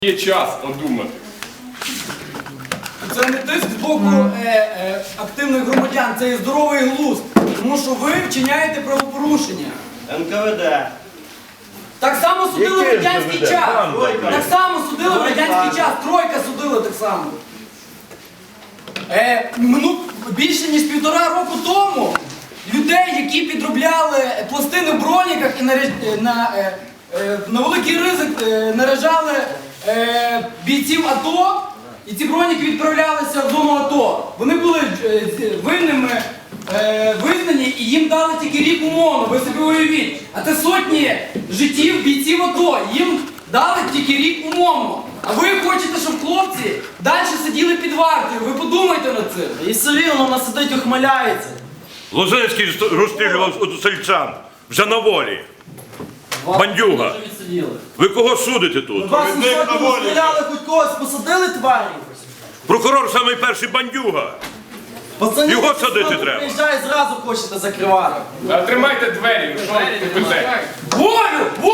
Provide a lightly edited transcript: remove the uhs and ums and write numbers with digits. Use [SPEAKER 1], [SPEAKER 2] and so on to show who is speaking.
[SPEAKER 1] Є час одумати.
[SPEAKER 2] Це не тиск з боку активних громадян, це і здоровий глузд. Тому що ви вчиняєте правопорушення.
[SPEAKER 3] НКВД.
[SPEAKER 2] Так само судили в радянський час. Так само судили в радянський час. Тройка судила так само. Більше ніж 1,5 року тому людей, які підробляли пластини в броніках і на великий ризик наражали бійців АТО, і ці броніки відправлялися в зону АТО. Вони були винними визнані і їм дали тільки рік умовно, ви собі уявіть. А це сотні життів бійців АТО, їм дали тільки рік умовно. А ви хочете, щоб хлопці далі сиділи під вартою, ви подумайте над цим.
[SPEAKER 3] І все рівно вона сидить, ухмиляється.
[SPEAKER 4] Лозинський розстрілював сельчан вже на волі. Бандюга. Ви кого судите тут?
[SPEAKER 3] Вас сьогодні розстріляли, хоч когось посадили тварі?
[SPEAKER 4] Прокурор самий перший бандюга.
[SPEAKER 3] Пацани,
[SPEAKER 4] Його садити
[SPEAKER 3] хто
[SPEAKER 4] треба.
[SPEAKER 3] приїжджає, зразу хочете закривати.
[SPEAKER 1] А тримайте двері, що ти пише?
[SPEAKER 2] Волю!